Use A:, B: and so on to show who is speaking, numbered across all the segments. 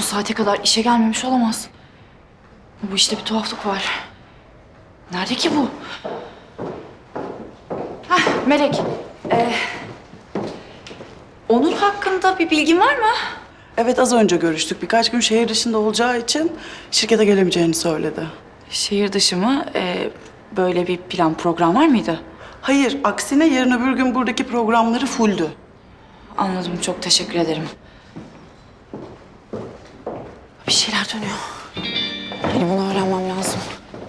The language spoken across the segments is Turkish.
A: saate kadar işe gelmemiş olamaz. Bu işte bir tuhaflık var. Nerede ki bu? Hah, Melek. Onur hakkında bir bilgin var mı?
B: Evet, az önce görüştük. Birkaç gün şehir dışında olacağı için şirkete gelemeyeceğini söyledi.
A: Şehir dışı mı? Böyle bir plan program var mıydı?
B: Hayır, aksine yarın öbür gün buradaki programları fulldü.
A: Anladım, çok teşekkür ederim. Bir şeyler dönüyor. Benim bunu öğrenmem lazım.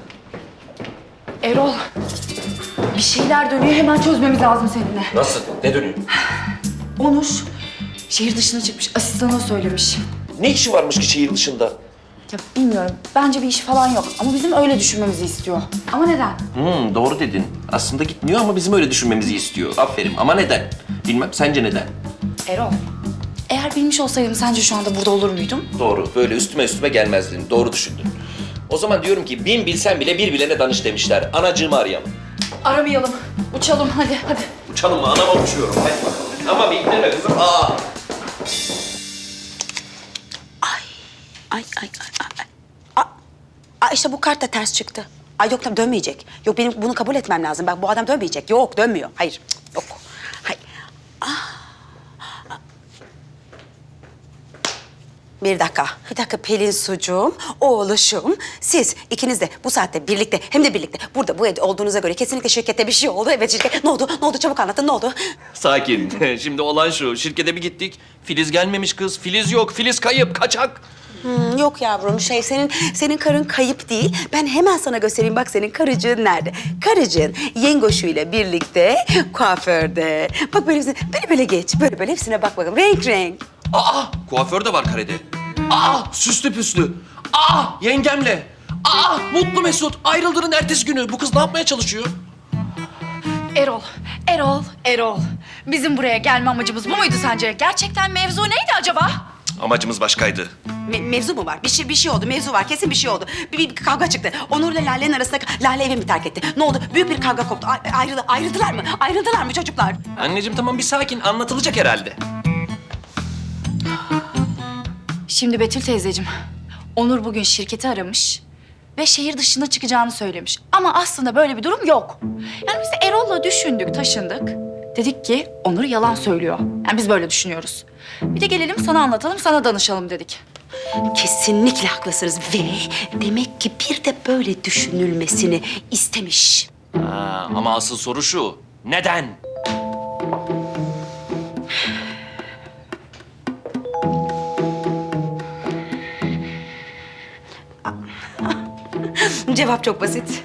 A: Erol, bir şeyler dönüyor. Hemen çözmemiz lazım seninle.
C: Nasıl? Ne dönüyor?
A: Onur şehir dışına çıkmış. Asistanına söylemiş.
C: Ne işi varmış ki şehir dışında?
A: Ya bilmiyorum. Bence bir işi falan yok. Ama bizim öyle düşünmemizi istiyor. Ama neden?
C: Doğru dedin. Aslında gitmiyor ama bizim öyle düşünmemizi istiyor. Aferin. Ama neden? Bilmem. Sence neden?
A: Erol, eğer bilmiş olsaydım sence şu anda burada olur muydum?
C: Doğru. Böyle üstüme gelmezdin. Doğru düşündün. O zaman diyorum ki bin bilsen bile bir bilene danış demişler. Anacığımı arayalım.
A: Aramayalım. Uçalım hadi.
C: Uçalım mı? Anama uçuyorum. Hadi bakalım. Ama bekleme kızım.
D: Ay. İşte bu kart da ters çıktı. Ay yok tabii dönmeyecek. Yok benim bunu kabul etmem lazım. Bak bu adam dönmeyecek. Yok dönmüyor. Hayır cık, yok. Hayır. Bir dakika Pelin sucuğum, oğluşum. Siz ikiniz de bu saatte birlikte hem de birlikte burada bu evde olduğunuza göre kesinlikle şirkette bir şey oldu. Evet şirket. Ne oldu? Çabuk anlatın ne oldu?
C: Sakin. Şimdi olan şu. Şirkete bir gittik. Filiz gelmemiş kız. Filiz yok. Filiz kayıp. Kaçak.
D: Yok yavrum senin karın kayıp değil. Ben hemen sana göstereyim bak senin karıcığın nerede? Karıcığın yengoşuyla birlikte kuaförde. Bak böyle geç. Böyle hepsine bak bakalım. Renk.
C: Kuaför de var karede. Süslü püslü. Yengemle. Mutlu Mesut. Ayrıldığının ertesi günü. Bu kız ne yapmaya çalışıyor?
A: Erol. Bizim buraya gelme amacımız bu muydu sence? Gerçekten mevzu neydi acaba?
C: Amacımız başkaydı.
D: Mevzu mu var? Bir şey oldu. Mevzu var. Kesin bir şey oldu. Bir kavga çıktı. Onur'la Lale'nin arasında Lale evi mi terk etti? Ne oldu? Büyük bir kavga koptu. Ayrıldılar mı? Ayrıldılar mı çocuklar?
C: Anneciğim tamam bir sakin. Anlatılacak herhalde.
A: Şimdi Betül teyzeciğim, Onur bugün şirketi aramış ve şehir dışına çıkacağını söylemiş. Ama aslında böyle bir durum yok. Yani biz de Erol'la düşündük, taşındık. Dedik ki Onur yalan söylüyor. Yani biz böyle düşünüyoruz. Bir de gelelim sana anlatalım, sana danışalım dedik.
D: Kesinlikle haklısınız ve demek ki bir de böyle düşünülmesini istemiş.
C: Ama asıl soru şu. Neden?
D: Cevap çok basit.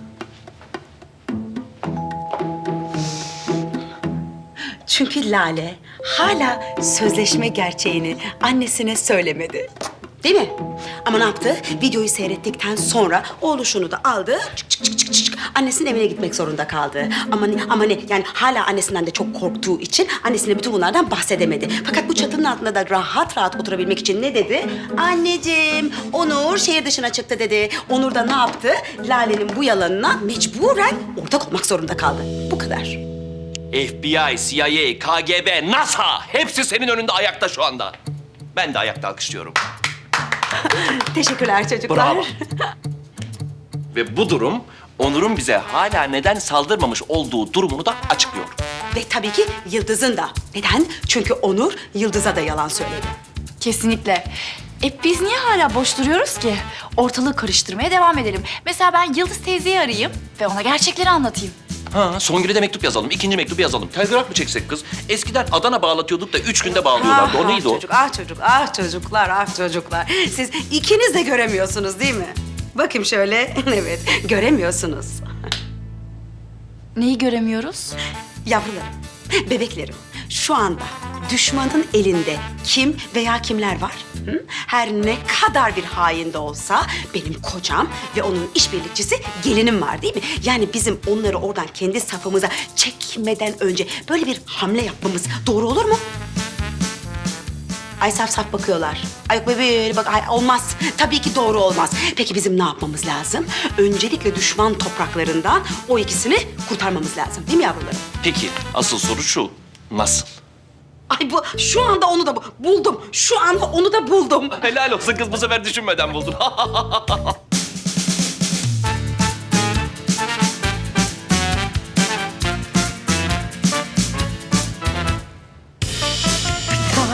D: Çünkü Lale hala sözleşme gerçeğini annesine söylemedi. Değil mi? Ama ne yaptı? Videoyu seyrettikten sonra oğluşunu da aldı. Çık. Annesinin evine gitmek zorunda kaldı. Ama ne? Yani hala annesinden de çok korktuğu için annesine bütün bunlardan bahsedemedi. Fakat bu çatının altında da rahat oturabilmek için ne dedi? Anneciğim, Onur şehir dışına çıktı dedi. Onur da ne yaptı? Lale'nin bu yalanına mecburen ortak olmak zorunda kaldı. Bu kadar.
C: FBI, CIA, KGB, NASA hepsi senin önünde ayakta şu anda. Ben de ayakta alkışlıyorum.
D: Teşekkürler çocuklar.
C: Bravo. Ve bu durum Onur'un bize hala neden saldırmamış olduğu durumunu da açıklıyor.
D: Ve tabii ki Yıldız'ın da. Neden? Çünkü Onur Yıldız'a da yalan söyledi.
A: Kesinlikle. Biz niye hala boş duruyoruz ki? Ortalığı karıştırmaya devam edelim. Mesela ben Yıldız teyzeyi arayayım ve ona gerçekleri anlatayım.
C: Songül'e de mektup yazalım, ikinci mektubu yazalım. Telgraf mı çeksek kız? Eskiden Adana bağlatıyorduk da 3 günde bağlıyorlardı. O neydi o?
D: Çocuklar. Siz ikiniz de göremiyorsunuz değil mi? Bakayım şöyle. Evet, göremiyorsunuz.
A: Neyi göremiyoruz?
D: Yavrularım, bebeklerim. Şu anda düşmanın elinde kim veya kimler var? Hı? Her ne kadar bir hain de olsa benim kocam ve onun işbirlikçisi gelinim var değil mi? Yani bizim onları oradan kendi safımıza çekmeden önce böyle bir hamle yapmamız doğru olur mu? Ay saf bakıyorlar. Ay yok böyle bak ay, olmaz. Tabii ki doğru olmaz. Peki bizim ne yapmamız lazım? Öncelikle düşman topraklarından o ikisini kurtarmamız lazım değil mi yavrularım?
C: Peki, asıl soru şu. Nasıl?
D: Ay bu şu anda onu da buldum. Şu anda onu da buldum.
C: Helal olsun kız, bu sefer düşünmeden buldun.